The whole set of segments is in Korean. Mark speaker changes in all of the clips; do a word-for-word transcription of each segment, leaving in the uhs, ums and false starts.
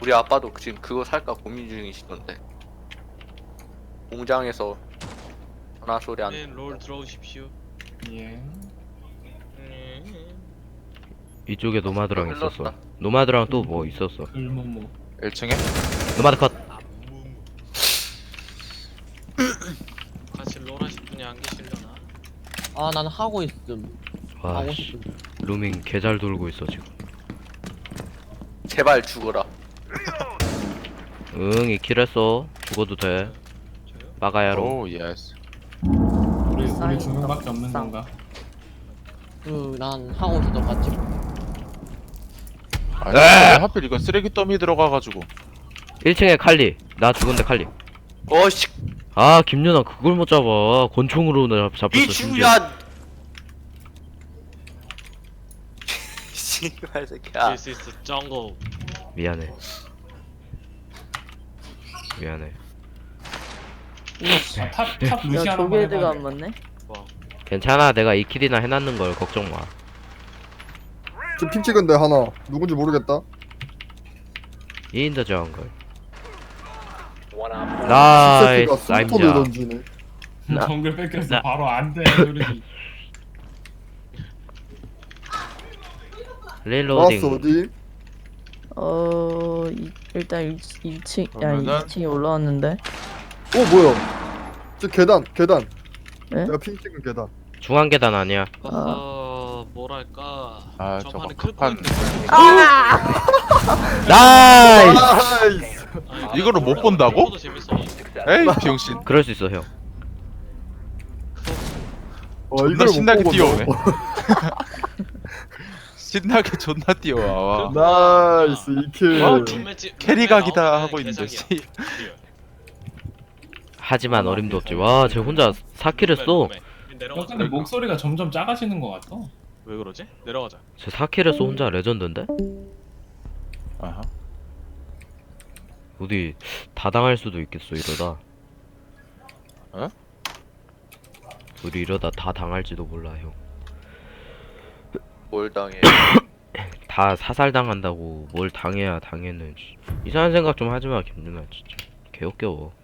Speaker 1: 우리 아빠도 지금 그거 살까 고민 중이시던데. 공장에서 전화 소리 안.
Speaker 2: 네, 롤 들어오십시오.
Speaker 3: 예.
Speaker 2: 음.
Speaker 4: 이쪽에 노마드랑
Speaker 1: 흘렀다.
Speaker 4: 있었어. 노마드랑 또 뭐 있었어.
Speaker 3: 글모모.
Speaker 5: 일 층에?
Speaker 4: 노마드 컷.
Speaker 2: 같이 롤 하실 분이 안 계시려나?
Speaker 6: 아, 난 하고 있음. 하고
Speaker 4: 와씨
Speaker 6: 싶음.
Speaker 4: 루밍 개잘 돌고 있어 지금.
Speaker 1: 제발 죽어라.
Speaker 4: 응 이킬했어. 죽어도 돼.
Speaker 2: 저요?
Speaker 4: 빠가야로.
Speaker 5: 오 예스.
Speaker 3: 우리 우리
Speaker 7: 쌍.
Speaker 3: 두 명밖에 없는
Speaker 7: 쌍.
Speaker 3: 건가?
Speaker 6: 그, 난 하고 있어도 같이.
Speaker 5: 아니 왜 하필 이거 쓰레기 더미 들어가가지고.
Speaker 4: 일 층에 칼리. 나 죽은데 칼리.
Speaker 1: 어씨
Speaker 4: 아 김연아 그걸 못 잡아. 권총으로 나 잡-
Speaker 1: 이
Speaker 4: 잡혔어 심지어.
Speaker 1: 주야. 씨발 새끼야.
Speaker 2: This is the jungle.
Speaker 4: 미안해. 미안해.
Speaker 3: 아, 탑, 탑
Speaker 7: 야
Speaker 3: 루시안 한번
Speaker 7: 조개드가
Speaker 3: 해봐.
Speaker 7: 안 맞네.
Speaker 2: 뭐?
Speaker 4: 괜찮아 내가 이 킬이나 해놨는 걸 걱정 마.
Speaker 8: 지금 핑 찍은데 하나 누군지 모르겠다.
Speaker 4: 인더 정글.
Speaker 8: 새끼가
Speaker 4: 나이스
Speaker 8: 스톤을
Speaker 4: 아임자.
Speaker 8: 던지네.
Speaker 4: 나-
Speaker 3: 정글 뺏겼어.
Speaker 4: 나-
Speaker 3: 바로 안 돼. 소리지.
Speaker 8: 나왔어
Speaker 4: 릴로딩.
Speaker 8: 어디?
Speaker 7: 어 이, 일단 일, 일 층 야
Speaker 5: 그러면은-
Speaker 7: 이 층에 올라왔는데.
Speaker 8: 어 뭐야? 저 계단 계단.
Speaker 7: 네?
Speaker 8: 내가 핑 찍은 계단.
Speaker 4: 중앙 계단 아니야.
Speaker 2: 어, 뭐랄까.
Speaker 5: 아,
Speaker 2: 전판에
Speaker 5: 저거
Speaker 2: 클
Speaker 5: 한-
Speaker 2: 뻔.
Speaker 4: 나이스.
Speaker 8: 나이스.
Speaker 2: 아니,
Speaker 5: 이거를 못
Speaker 2: 몰라.
Speaker 5: 본다고?
Speaker 2: 이거도 재밌어.
Speaker 5: 에이 비용신.
Speaker 4: 그럴 수 있어 형.
Speaker 8: 어,
Speaker 5: 존나
Speaker 8: 이걸 못
Speaker 5: 신나게
Speaker 8: 보고
Speaker 5: 뛰어오네.
Speaker 8: 너.
Speaker 5: 신나게 존나 뛰어와. 와.
Speaker 8: 나이스 이킬.
Speaker 5: 와,
Speaker 2: 룸매치-
Speaker 5: 캐리각이다
Speaker 2: 룸매
Speaker 5: 하고 있는데.
Speaker 2: 개사기야.
Speaker 5: 씨.
Speaker 4: 하지만 어림도 없지. 와, 쟤 혼자 사 킬 했어.
Speaker 2: 룸매, 룸매.
Speaker 3: 너
Speaker 2: 내려가자.
Speaker 3: 근데 목소리가 점점 작아지는 것 같아.
Speaker 2: 왜 그러지? 내려가자.
Speaker 4: 쟤 사 킬 했어 혼자 레전드인데?
Speaker 5: 아하.
Speaker 4: 어디 다 당할 수도 있겠어 이러다.
Speaker 5: 어?
Speaker 4: 우리 이러다 다 당할지도 몰라 형.
Speaker 1: 뭘 당해?
Speaker 4: 다 사살 당한다고 뭘 당해야 당했는. 씨. 이상한 생각 좀 하지 마 김준아 진짜. 개웃겨워.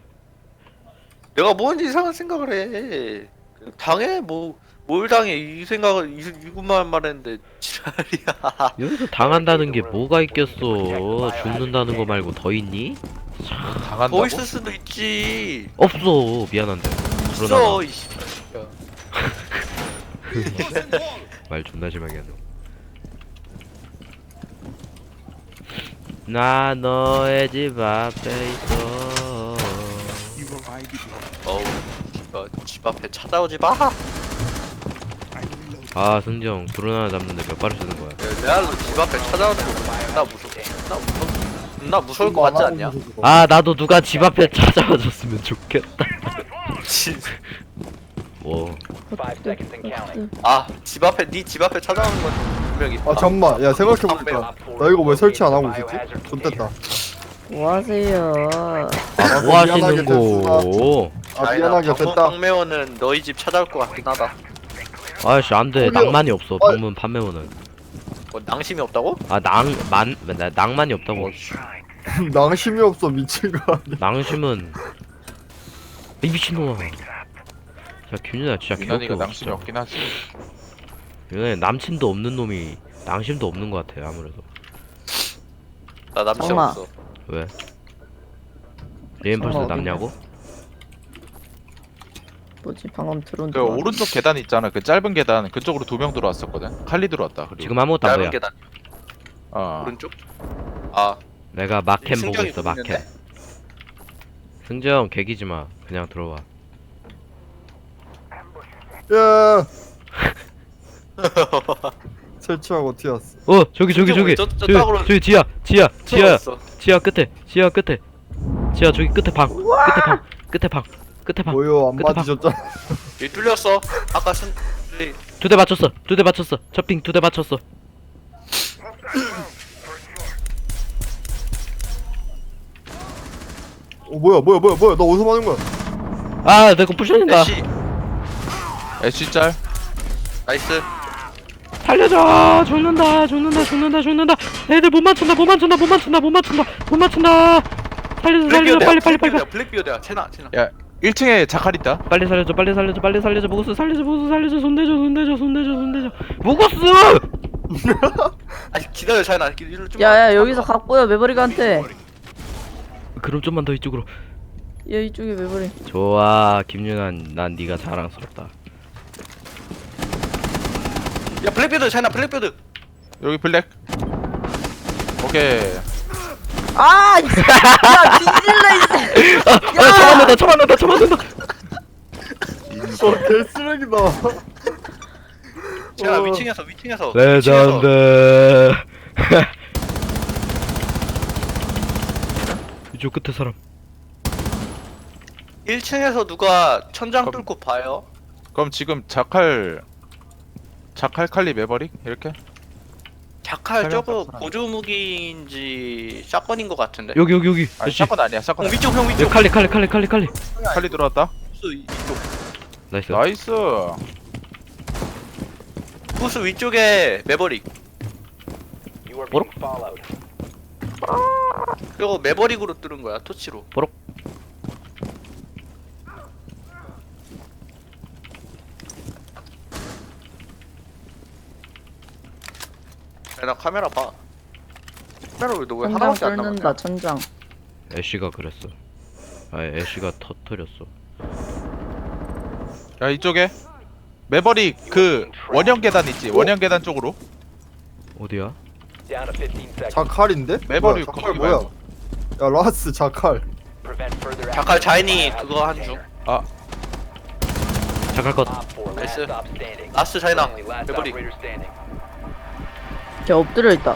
Speaker 1: 내가 뭔지 이상한 생각을 해. 당해 뭐 뭘 당해 이 생각을 이, 이것만 말했는데 지랄이야.
Speaker 4: 여기서 당한다는 게 뭐가 있겠어. 죽는다는 거 말고 더 있니?
Speaker 5: 당한다고?
Speaker 1: 더 있을 수도 있지.
Speaker 4: 없어 미안한데. 그러나
Speaker 1: 있어 이씨.
Speaker 4: 말 존나 심하게 하네. 나 너의 집 앞에 있어.
Speaker 1: 어우 이거 집 앞에 찾아오지 마.
Speaker 4: 아 승정 드론 하나 잡는데 몇 발을 쓰는 거야?
Speaker 1: 레알로 집 앞에 찾아오는 거 나 무서워. 나 무서워. 나 무서울 것 같지 않냐?
Speaker 4: 아 나도 누가 집 앞에 찾아와줬으면 좋겠다. 뭐
Speaker 1: 아 집 앞에 네 집 앞에 찾아오는 건 분명히.
Speaker 8: 아 잠만. 야 생각해보니까 나 이거 왜 설치 안 하고 있었지? 좋됐다.
Speaker 7: 뭐 하세요?
Speaker 4: 아, 뭐 하시는
Speaker 8: 미안하게
Speaker 4: 거?
Speaker 8: 아 미안하게 됐다.
Speaker 1: 방매원은 너희 집 찾아올 것 같긴 하다.
Speaker 4: 아씨 안돼
Speaker 8: 저기요.
Speaker 4: 낭만이 없어
Speaker 8: 어.
Speaker 4: 방문 판매원은.
Speaker 1: 뭐 낭심이 없다고?
Speaker 4: 아 낭만 나 낭만이 없다고.
Speaker 8: 낭심이 없어 미친 거 아니야?
Speaker 4: 낭심은 이 미친놈아. 야 김윤아 진짜
Speaker 5: 민환이가
Speaker 4: 개웃겨
Speaker 5: 낭심이
Speaker 4: 진짜.
Speaker 5: 없긴 하지.
Speaker 4: 윤아 남친도 없는 놈이 낭심도 없는 것 같아 아무래도.
Speaker 1: 나 남친
Speaker 7: 엄마.
Speaker 1: 없어.
Speaker 4: 왜? 리엠펄스
Speaker 7: 어디
Speaker 4: 남냐고?
Speaker 7: 뭐지 방금 드론
Speaker 5: 그
Speaker 7: 들어왔-
Speaker 5: 오른쪽 계단 있잖아. 그 짧은 계단 그쪽으로 두 명 들어왔었거든. 칼리 들어왔다. 그리고.
Speaker 4: 지금 아무것도 안
Speaker 1: 짧은
Speaker 4: 보여.
Speaker 1: 계단
Speaker 5: 어.
Speaker 1: 오른쪽? 아
Speaker 4: 내가 마캠 보고
Speaker 1: 승정이
Speaker 4: 있어
Speaker 1: 보이는데?
Speaker 4: 마캠. 승정 개기지 마. 그냥 들어와.
Speaker 8: 야. 설치하고 튀었어.
Speaker 4: 어 저기 저기 저기
Speaker 1: 저- 저
Speaker 4: 저기
Speaker 1: 땅으로
Speaker 4: 저기 지하 지하 지하
Speaker 1: 들어왔어.
Speaker 4: 지하 끝에 지하 끝에 지하 저기 끝에 방 끝에 방 끝에 방 끝에 방
Speaker 8: 뭐요 안
Speaker 4: 끝에 봐.
Speaker 8: 맞으셨잖아.
Speaker 1: 여기 뚫렸어. 아까 순 네.
Speaker 4: 두 대 맞췄어 두 대 맞췄어 첫핑 두 대 맞췄어.
Speaker 8: 어 뭐야 뭐야 뭐야 뭐야 나 어디서 맞은 거야?
Speaker 4: 아 내가 부셔진다.
Speaker 1: 애쉬
Speaker 5: 애쉬 짤.
Speaker 1: 나이스.
Speaker 4: 살려줘. 죽는다 죽는다 죽는다 죽는다. 애들 못 맞춘다 못 맞춘다 못 맞춘다 못 맞춘다 못 맞춘다. 살려줘 살려줘 빨리 빨리 빨리 빨리
Speaker 1: 블랙비어드야. 채나 채나.
Speaker 5: 일 층에 자칼 있다.
Speaker 4: 빨리 살려줘 빨리 살려줘 빨리 살려줘 무고스 살려줘 무고스 살려줘 손대줘 손대줘 손대줘 손대줘 무고스.
Speaker 1: 아니 기다려 채나. 일로 좀.
Speaker 7: 야야 여기서 갖고요 매버릭한테.
Speaker 4: 그럼 좀만 더 이쪽으로.
Speaker 7: 야 이쪽에 매버릭.
Speaker 4: 좋아 김윤환 난 네가 자랑스럽다.
Speaker 1: 야 블랙비어드 채나 블랙비어드.
Speaker 5: 여기 블랙. 오케이.
Speaker 7: 아! 야 뒤질래 이제.
Speaker 4: 아 처맞는다 처맞는다 처맞는다.
Speaker 8: 어 개쓰레기다.
Speaker 1: 채나
Speaker 8: 어.
Speaker 1: 위층에서 위층에서.
Speaker 4: 레전드. 이쪽 끝에 사람.
Speaker 1: 일 층에서 누가 천장
Speaker 5: 그럼-
Speaker 1: 뚫고 봐요?
Speaker 5: 그럼 지금 자칼 자칼 칼리 매버릭 이렇게?
Speaker 1: 자칼
Speaker 5: 설명
Speaker 1: 저거
Speaker 5: 좀
Speaker 1: 보조 무기인지 샷건인 것 같은데.
Speaker 4: 여기 여기 여기.
Speaker 5: 아니
Speaker 4: 애쉬.
Speaker 5: 샷건 아니야
Speaker 1: 어,
Speaker 5: 샷건.
Speaker 1: 위쪽 형
Speaker 4: 야,
Speaker 1: 위쪽.
Speaker 4: 칼리 칼리 칼리 칼리 칼리.
Speaker 5: 칼리 들어왔다.
Speaker 1: 부스 이쪽.
Speaker 4: 나이스.
Speaker 5: 나이스.
Speaker 1: 부스 위쪽에 매버릭.
Speaker 4: 뭐로?
Speaker 1: 이거 매버릭으로 뚫은 거야 토치로. 야, 나 카메라 봐. 카메라 왜 너 왜
Speaker 7: 천장
Speaker 1: 하나밖에 안 남았냐?
Speaker 7: 뚫는다 천장.
Speaker 4: 애쉬가 그랬어. 아 애쉬가 터트렸어.
Speaker 5: 야 이쪽에 매버릭 그 원형 계단 있지. 원형 계단 쪽으로.
Speaker 4: 어디야?
Speaker 8: 자칼인데?
Speaker 5: 매버릭
Speaker 8: 뭐야, 자칼
Speaker 5: 거기
Speaker 8: 뭐야?
Speaker 5: 말고.
Speaker 8: 야 라스 자칼.
Speaker 1: 자칼 자인이 그거 한 중.
Speaker 4: 잠깐 것.
Speaker 1: 나이스. 라스트 자이나 매버릭.
Speaker 7: 걔 엎드려 있다.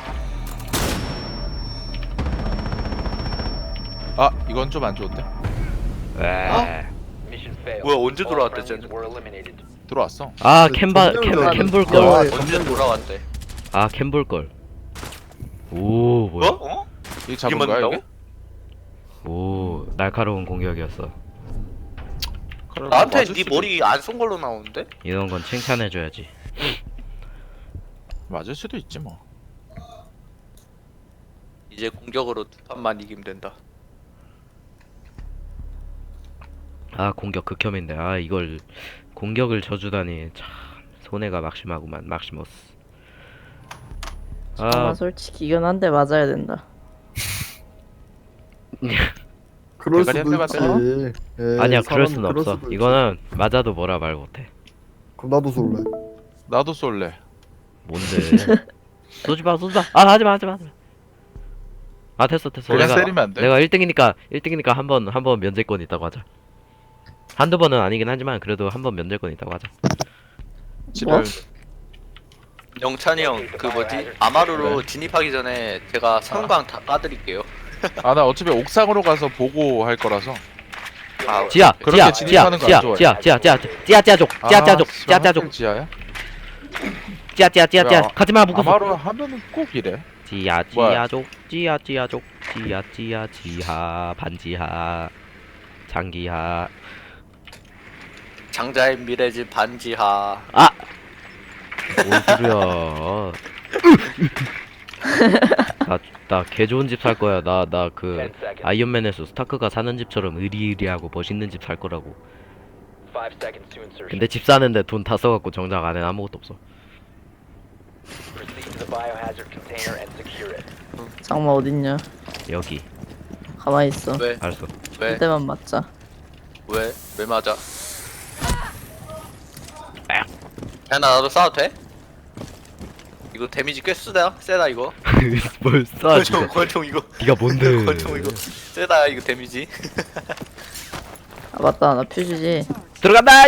Speaker 5: 아 이건 좀 안 좋은데.
Speaker 4: 에.
Speaker 1: 뭐야 언제 돌아왔대 쟤는?
Speaker 5: 들어왔어.
Speaker 4: 아 캠바 캠
Speaker 8: 전멸
Speaker 4: 캠볼
Speaker 8: 야,
Speaker 4: 걸.
Speaker 1: 언제 돌아왔대?
Speaker 4: 아 캠볼 걸. 오 뭐야?
Speaker 1: 어? 어?
Speaker 5: 이 잡은
Speaker 1: 이게
Speaker 5: 거야
Speaker 1: 맞는다고?
Speaker 5: 여기?
Speaker 4: 오 날카로운 공격이었어.
Speaker 5: 그럼
Speaker 1: 나한테
Speaker 5: 맞을
Speaker 1: 네
Speaker 5: 수도
Speaker 1: 머리 안 쏜 걸로 나오는데?
Speaker 4: 이런 건 칭찬해줘야지.
Speaker 5: 있- 맞을 수도 있지 뭐.
Speaker 1: 이제 공격으로 두 판만 이기면 된다.
Speaker 4: 아 공격 극혐인데 아 이걸 공격을 져주다니 참 손해가 막심하구만 막시머스.
Speaker 7: 아
Speaker 4: 아
Speaker 7: 솔직히 이건 한 대 맞아야 된다.
Speaker 8: 그럴
Speaker 5: 대가리
Speaker 8: 수도
Speaker 5: 한 대만
Speaker 8: 있지. 에이,
Speaker 4: 아니야 그럴
Speaker 8: 사람은
Speaker 4: 순
Speaker 8: 그럴
Speaker 4: 없어.
Speaker 8: 수도 있지.
Speaker 4: 이거는 맞아도 뭐라 말 못해.
Speaker 8: 그럼 나도 쏠래.
Speaker 5: 나도 쏠래.
Speaker 4: 뭔데? 쏘지 마 쏘지 마. 아 하지 마 하지 마. 하지 마. 아 됐어 됐어.
Speaker 5: 그냥
Speaker 4: 내가
Speaker 5: 때리면 안 돼?
Speaker 4: 내가 일 등이니까 일 등이니까 한 번 한 번 면제권 있다고 하자. 한두 번은 아니긴 하지만 그래도 한 번 면제권 있다고 하자.
Speaker 5: 지랄.
Speaker 1: 영찬이 형 그 뭐지? 아마루로 진입하기 전에 제가 성광 다 까드릴게요.
Speaker 5: 아 나 어차피 옥상으로 가서 보고 할 거라서.
Speaker 1: 아,
Speaker 4: 지야
Speaker 5: 그렇게
Speaker 4: 지야 지야
Speaker 5: 진입하는 거안
Speaker 4: 지야
Speaker 5: 좋아해.
Speaker 4: 지야 지야 지야 지야 지야족 지야 지야족
Speaker 5: 아,
Speaker 4: 지야 지야족
Speaker 5: 지하야?
Speaker 4: 지야 지야 지야 지야
Speaker 5: 야,
Speaker 4: 가지마 묶었어.
Speaker 5: 아마로 하면은 꼭 이래.
Speaker 4: 지야
Speaker 5: 뭐야?
Speaker 4: 지야족 지야 지야족 지야 지야 지하 반지하 장기하.
Speaker 1: 장자의 미래지 반지하.
Speaker 4: 아! 뭔 소리야. 나, 나 개 좋은 집 살 거야. 나, 나 그, 아이언맨에서 스타크가 사는 집처럼 의리의리하고 멋있는 집 살 거라고. 근데 집 사는데 돈 다 써갖고 정작 안에 아무것도 없어.
Speaker 7: 장마 어딨냐?
Speaker 4: 여기.
Speaker 7: 가만히 있어.
Speaker 1: 왜?
Speaker 4: 알았어.
Speaker 1: 왜?
Speaker 7: 그때만 맞자.
Speaker 1: 왜? 왜 맞아? 야, 나 나도 싸워도 돼? 이거 데미지 꽤 쓰다, 세다 이거.
Speaker 4: 뭘 쏴,
Speaker 1: 권총,
Speaker 4: 진짜.
Speaker 1: 권총 이거.
Speaker 4: 니가 뭔데.
Speaker 1: 권총 이거 세다 이거 데미지.
Speaker 7: 아 맞다 나 퓨즈지.
Speaker 4: 들어간다!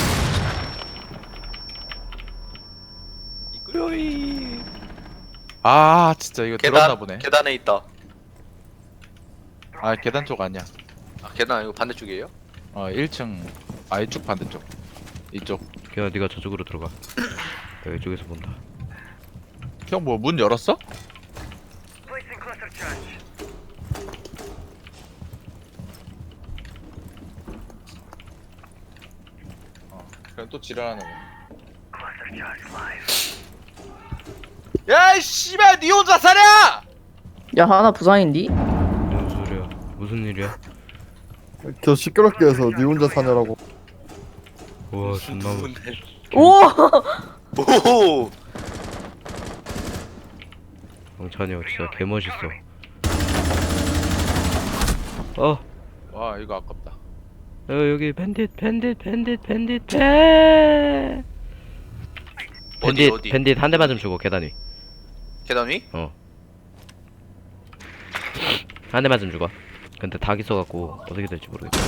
Speaker 1: 이거요이.
Speaker 5: 아 진짜 이거 들었나
Speaker 1: 계단,
Speaker 5: 보네.
Speaker 1: 계단에 있다.
Speaker 5: 아 계단 쪽 아니야.
Speaker 1: 아, 계단 이거 반대쪽이에요?
Speaker 5: 어 일 층 아 이쪽 반대쪽. 이쪽.
Speaker 4: 그냥 니가 저쪽으로 들어가. 내가 이쪽에서 본다.
Speaker 5: 형 뭐 문 열었어? 어 그럼 또 지랄하는 거. 야 씨발 니 혼자 사냐?
Speaker 7: 야 하나 부상인디?
Speaker 4: 무슨 소리야? 무슨 일이야?
Speaker 8: 저 시끄럽게 해서 니 혼자 사냐라고.
Speaker 4: 와 존나 무-
Speaker 1: 누군데?
Speaker 7: 오!
Speaker 1: 오.
Speaker 4: 영찬이 형 진짜 개멋있어. 어,
Speaker 5: 와 이거 아깝다.
Speaker 4: 어 여기 밴딧 밴딧 밴딧 밴딧 밴
Speaker 1: 어디
Speaker 4: 밴딧
Speaker 1: 어디?
Speaker 4: 밴딧 한 대 맞으면 죽어 계단 위.
Speaker 1: 계단 위?
Speaker 4: 한 대 맞으면 죽어. 근데 닭 있어갖고 어떻게 될지 모르겠어.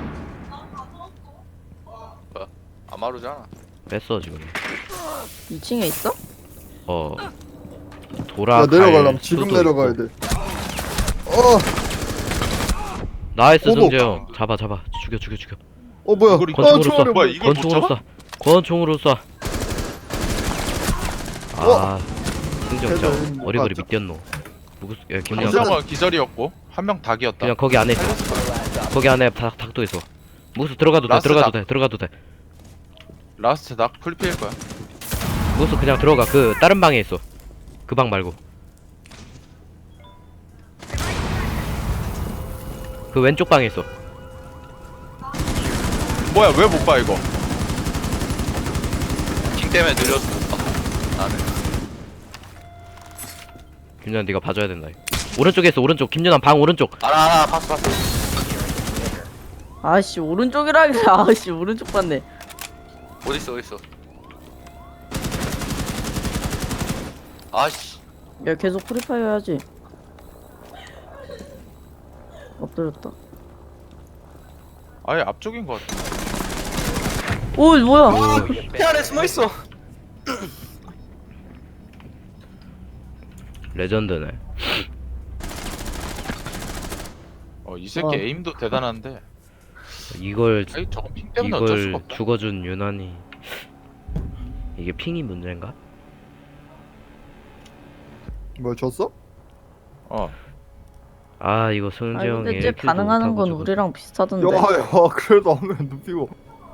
Speaker 1: 아마루잖아.
Speaker 4: 뺐어 지금.
Speaker 7: 이 층에 있어?
Speaker 4: 어 돌아.
Speaker 8: 야 내려가려면 지금 내려가야 돼. 어,
Speaker 4: 나이스
Speaker 8: 오도.
Speaker 4: 성재 형. 잡아 잡아. 죽여 죽여 죽여.
Speaker 8: 어 뭐야?
Speaker 5: 이걸
Speaker 8: 아
Speaker 4: 권총으로
Speaker 8: 총알이
Speaker 4: 쏴.
Speaker 5: 뭐야, 이걸 못
Speaker 4: 권총으로 쏴. 권총으로 쏴. 아 승재 형
Speaker 8: 대단,
Speaker 4: 진짜
Speaker 8: 못
Speaker 4: 어리버리
Speaker 8: 봤죠?
Speaker 4: 밑뛰었노. 무구 야 김영
Speaker 5: 한 명은 기절이었고 한 명 닭이었다.
Speaker 4: 그냥 거기 안에 있어. 거기 안에 닭, 닭도 있어. 무수 들어가도 돼.
Speaker 5: 라스트
Speaker 4: 들어가도
Speaker 5: 닭.
Speaker 4: 돼. 들어가도 돼.
Speaker 5: 라스트 닭 풀피일 거야.
Speaker 4: 무수 그냥 들어가. 그 다른 방에 있어. 그 방 말고. 그 왼쪽 방에 있어.
Speaker 5: 뭐야 왜 못 봐 이거?
Speaker 1: 킹 때문에 느려서 못 봐. 나는.
Speaker 4: 김준환 네가 봐줘야 된다. 오른쪽에 있어. 오른쪽. 김준환 방 오른쪽.
Speaker 1: 알아 알아 봤어 봤어.
Speaker 7: 아씨 오른쪽이라길래 아씨 오른쪽 봤네.
Speaker 1: 어디 있어 어디 있어. 아씨.
Speaker 7: 야 계속 프리파이어 해야지. 엎드렸다.
Speaker 5: 아예 앞쪽인 것 같아.
Speaker 7: 오 뭐야?
Speaker 1: 배 안에 숨어 있어.
Speaker 4: 레전드네.
Speaker 5: 어 이 새끼
Speaker 7: 어.
Speaker 5: 에임도 대단한데.
Speaker 4: 이걸
Speaker 5: 아이 저건 핑 때문에 어쩔
Speaker 4: 이걸
Speaker 5: 수가 없다.
Speaker 4: 죽어준 유난히 이게 핑이 문제인가?
Speaker 8: 뭐 졌어?
Speaker 5: 어.
Speaker 4: 아 이거 승재
Speaker 7: 아니
Speaker 4: 형이
Speaker 7: 근데 쟤
Speaker 4: 일 킬도
Speaker 7: 반응하는
Speaker 4: 못하고
Speaker 7: 건
Speaker 4: 저거-
Speaker 7: 우리랑 비슷하던데.
Speaker 8: 야야 그래도 안 하면 눕히고.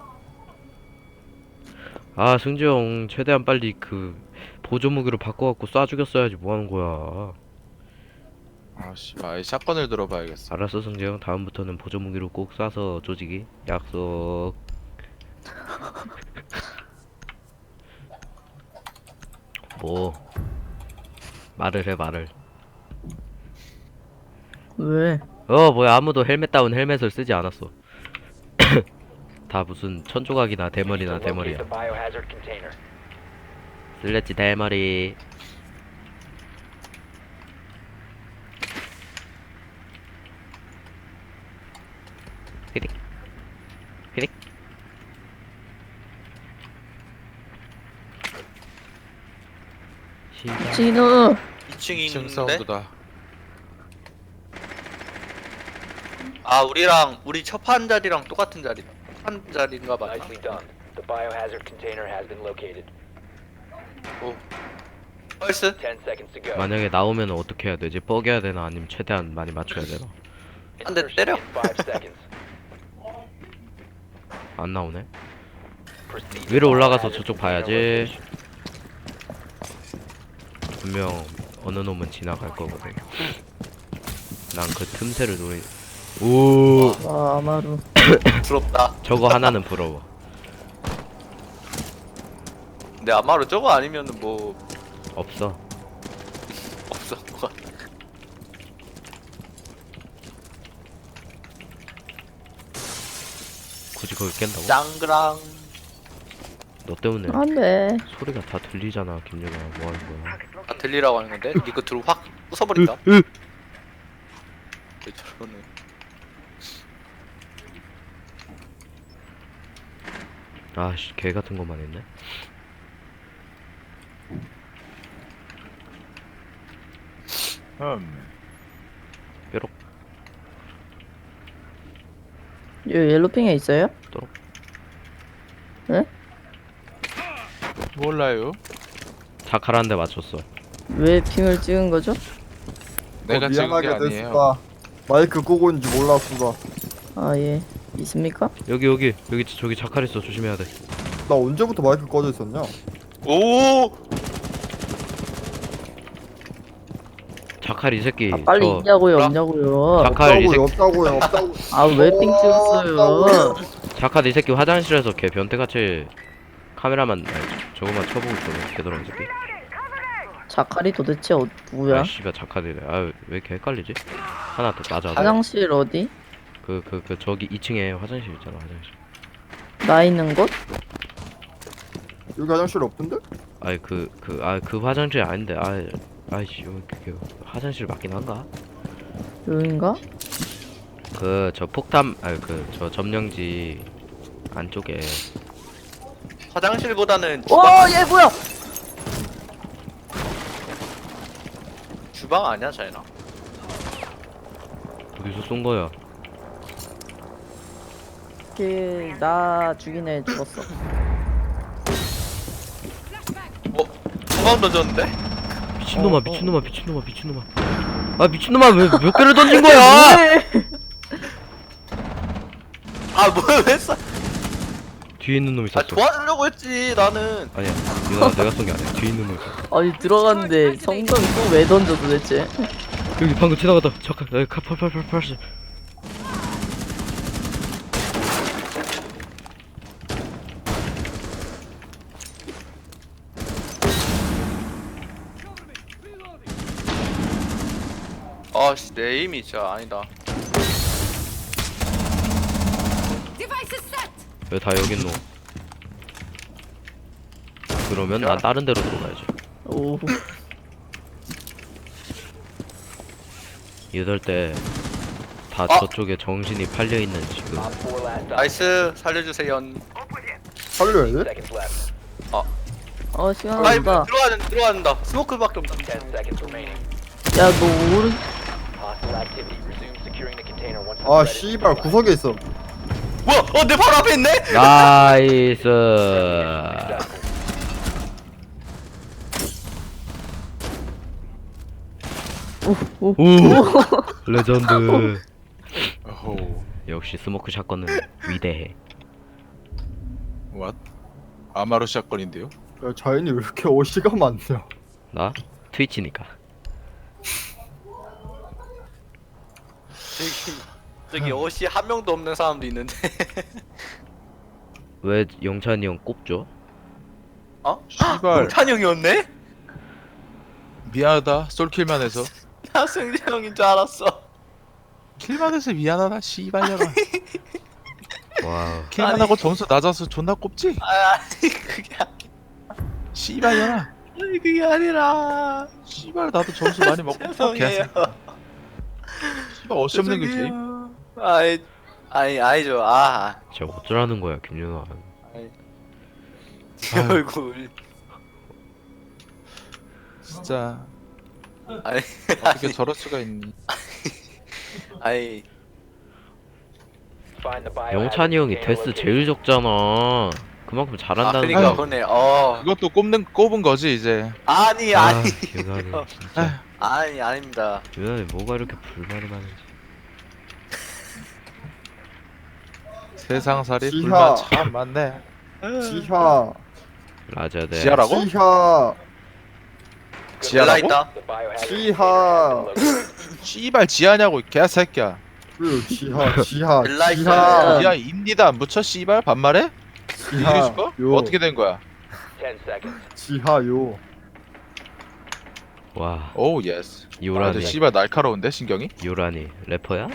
Speaker 4: 아 승재 형 최대한 빨리 그 보조 무기로 바꿔갖고 쏴 죽였어야지 뭐 하는 거야.
Speaker 5: 아씨 아예 샷건을 들어봐야겠어.
Speaker 4: 알았어 승재 형 다음부터는 보조 무기로 꼭 쏴서 조지기 약속. 뭐 말을 해 말을.
Speaker 7: 왜?
Speaker 4: 어 뭐야 아무도 헬멧 다운 헬멧을 쓰지 않았어. 다 무슨 천조각이나 대머리나 대머리야. 슬래지 대머리. 휘릭 휘릭. 시작.
Speaker 7: 진우.
Speaker 1: 이 층이
Speaker 5: 이 층
Speaker 1: 있는데.
Speaker 5: 사운드다.
Speaker 1: 아 우리랑 우리 첫 판 자리랑 똑같은 자리다. 한 자리인가 봐.
Speaker 9: Nicely done. The biohazard container has been located.
Speaker 1: 펄스?
Speaker 9: Ten seconds to go.
Speaker 4: 만약에 나오면 어떻게 해야 되지? 뻐겨야 되나 아니면 최대한 많이 맞춰야 되나?
Speaker 1: 한 대 때려.
Speaker 9: In five seconds.
Speaker 4: 안 나오네.
Speaker 9: Proceed.
Speaker 4: 위로 올라가서
Speaker 9: Biohazard
Speaker 4: 저쪽
Speaker 9: container
Speaker 4: 봐야지. 분명 어느 놈은 지나갈 거거든. 난 그 틈새를 노리. 오,
Speaker 7: 와 아마루.
Speaker 1: 부럽다.
Speaker 4: 저거 하나는 부러워.
Speaker 1: 근데 아마로 저거 아니면은 뭐
Speaker 4: 없어.
Speaker 1: 없어. 뭐가.
Speaker 4: 굳이 그걸 깬다고?
Speaker 1: 짱그랑.
Speaker 4: 너 때문에
Speaker 7: 안돼.
Speaker 4: 소리가 다 들리잖아, 김여가. 뭐 하는 거야?
Speaker 1: 아 들리라고 하는 건데 니거 들어 확 부숴버린다.
Speaker 4: 으, 으.
Speaker 1: 왜 저러네.
Speaker 4: 아씨, 개 같은 것만 했네.
Speaker 5: 음.
Speaker 4: 뾰록.
Speaker 7: 요 옐로핑에 있어요?
Speaker 5: 몰라요.
Speaker 4: 자카라한 대 맞췄어.
Speaker 7: 왜 핑을 찍은 거죠?
Speaker 5: 내가
Speaker 8: 어,
Speaker 5: 찍은 게
Speaker 8: 미안하게
Speaker 5: 아니에요.
Speaker 8: 됐을까. 마이크 끄고 있는지 몰랐어.
Speaker 7: 아 예. 있습니까?
Speaker 4: 여기 여기 여기 저기 자카라 있어. 조심해야 돼.
Speaker 8: 나 언제부터 마이크 꺼져 있었냐?
Speaker 1: 오.
Speaker 4: 자칼 이 새끼
Speaker 7: 아, 빨리
Speaker 4: 저
Speaker 7: 있냐고요
Speaker 1: 뭐라?
Speaker 7: 없냐고요.
Speaker 4: 자칼 이
Speaker 8: 없다고요
Speaker 4: 새끼
Speaker 8: 없다고요 없다고.
Speaker 7: 아 왜 삥 찍었어요?
Speaker 4: 자칼 이 새끼 화장실에서 걔 변태같이 카메라만 아니, 저거만 쳐보고 저거 걔더라 이 새끼.
Speaker 7: 자칼이 도대체 어, 누구야?
Speaker 4: 아 씨발 자칼이래. 아왜 이렇게 헷갈리지? 하나 더 낮아.
Speaker 7: 화장실 어디?
Speaker 4: 그 그 그 저기 이 층에 화장실 있잖아 화장실.
Speaker 7: 나 있는 곳?
Speaker 8: 여기 화장실 없던데?
Speaker 4: 아니 그 그 아 그 화장실 아닌데 아 아이씨 여기 그 화장실 맞긴 한가?
Speaker 7: 여긴가?
Speaker 4: 그 저 폭탄 아니 그 저 점령지 안쪽에
Speaker 1: 화장실보다는 주방,
Speaker 7: 와얘 뭐야?
Speaker 1: 주방 아니야 자이나?
Speaker 4: 어디서 쏜 거야?
Speaker 7: 걔나 죽인 애 죽었어.
Speaker 1: 중앙 던졌는데?
Speaker 4: 미친놈아
Speaker 7: 어, 어.
Speaker 4: 미친놈아 미친놈아 미친놈아 아 미친놈아 왜 몇 개를 던진 거야?
Speaker 1: 아 뭐야 왜 쏴?
Speaker 4: 뒤에 있는 놈이
Speaker 1: 아
Speaker 4: 쐈어.
Speaker 1: 도와주려고 했지 나는.
Speaker 4: 아니야 내가 내가 쏜 게 아니야. 뒤에 있는 놈이 쐈어.
Speaker 7: 아니 들어갔는데 성동이 또 왜 던져 도대체?
Speaker 4: 여기 방금 지나갔다. 잠깐 여기 팔팔팔팔.
Speaker 1: 아씨 내 힘이 진짜 아니다.
Speaker 4: 왜 다 여기 있노? 그러면 난 다른 데로 들어가야지.
Speaker 7: 오.
Speaker 4: 이럴 때 다
Speaker 1: 아!
Speaker 4: 저쪽에 정신이 팔려 있는 지금.
Speaker 9: Op four last stop.
Speaker 1: 나이스 살려주세요.
Speaker 8: 살려야 돼?
Speaker 9: Seconds left.
Speaker 7: 어 시간
Speaker 1: 라이브
Speaker 7: 없다.
Speaker 1: 들어가는 들어간다. 스모크밖에 없다.
Speaker 9: Ten seconds remaining.
Speaker 7: 야너 오른
Speaker 9: Hostile activity. Resume securing the container once the
Speaker 8: 아
Speaker 9: threat is
Speaker 8: 씨발
Speaker 9: neutralized.
Speaker 8: 구석에 있어.
Speaker 1: 뭐야? 어 내 바로 앞에 있네?
Speaker 4: 나이스.
Speaker 7: 오.
Speaker 4: 오 레전드.
Speaker 5: 어호.
Speaker 4: 역시 스모크 샷건은 위대해.
Speaker 5: What? 아마루 샷건인데요?
Speaker 8: 야 자연이 왜 이렇게 어시가 많냐?
Speaker 4: 나 트위치니까.
Speaker 1: 저기 저기 옷이 한 명도 없는 사람도 있는데.
Speaker 4: 왜 영찬이 형 꼽죠?
Speaker 1: 어?
Speaker 5: 씨발
Speaker 1: 찬영이었네?
Speaker 5: 미안하다. 솔킬만 해서.
Speaker 1: 나 승재 형인 줄 알았어.
Speaker 5: 킬만 해서 미안하다. 씨발려라.
Speaker 4: 와.
Speaker 5: 킬만
Speaker 1: 아니.
Speaker 5: 하고 점수 낮아서 존나 꼽지?
Speaker 1: 아, 아니 그게 아니,
Speaker 5: 씨발려라.
Speaker 1: 아니 그게 아니라.
Speaker 5: 씨발 나도 점수 많이 먹고
Speaker 1: 죄송해요.
Speaker 5: 씨발 어시없는 게 제일.
Speaker 1: 죄송해요. 아이 아니 아니죠. 아.
Speaker 4: 저 어쩌라는 거야 김윤아.
Speaker 1: 제 얼굴.
Speaker 5: 진짜
Speaker 1: 아니
Speaker 5: 어떻게 저럴 수가 있니?
Speaker 1: 아니
Speaker 9: Find the biohazard
Speaker 4: 영찬이 형이
Speaker 9: container
Speaker 4: 데스
Speaker 9: location.
Speaker 4: 제일 적잖아. 그만큼
Speaker 1: 아
Speaker 4: 잘한다는
Speaker 1: 그러니까
Speaker 4: 거.
Speaker 1: 그러네. 어
Speaker 5: 그것도 꼽는 꼽은 거지 이제.
Speaker 1: 아니
Speaker 4: 아,
Speaker 1: 아니
Speaker 4: 유난히 진짜.
Speaker 1: 아니 아닙니다.
Speaker 4: 유난히 뭐가 이렇게 불만이 많은지.
Speaker 5: 세상살이
Speaker 8: 지하.
Speaker 5: 불만 참 많네.
Speaker 8: 지하
Speaker 4: 라자대.
Speaker 5: 지하라고?
Speaker 8: 지하
Speaker 1: 연락
Speaker 5: 지하라고?
Speaker 1: 있다.
Speaker 9: The biohazard
Speaker 8: 지하.
Speaker 9: container has been located.
Speaker 5: 씨발 지하냐고 이 개새끼야.
Speaker 8: 그 지하 지하
Speaker 1: 연락
Speaker 8: 지하
Speaker 5: 지하 입니다 안 붙여 씨발 반말해?
Speaker 8: 지하
Speaker 5: 이해줄까?
Speaker 8: 요
Speaker 5: 어떻게 된 거야?
Speaker 9: Ten seconds.
Speaker 8: 지하요.
Speaker 4: 와
Speaker 5: 오 예스. 아,
Speaker 4: 요란이
Speaker 5: 근데 씨발 날카로운데 신경이?
Speaker 4: 요란이 래퍼야?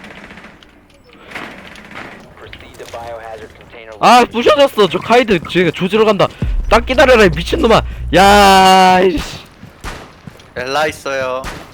Speaker 9: Proceed to biohazard container
Speaker 4: 아
Speaker 9: location.
Speaker 4: 부셔졌어. 저 카이드 쟤가 조지러 간다. 딱 기다려라 이 미친놈아. 야 이씨.
Speaker 1: 엘라 있어요.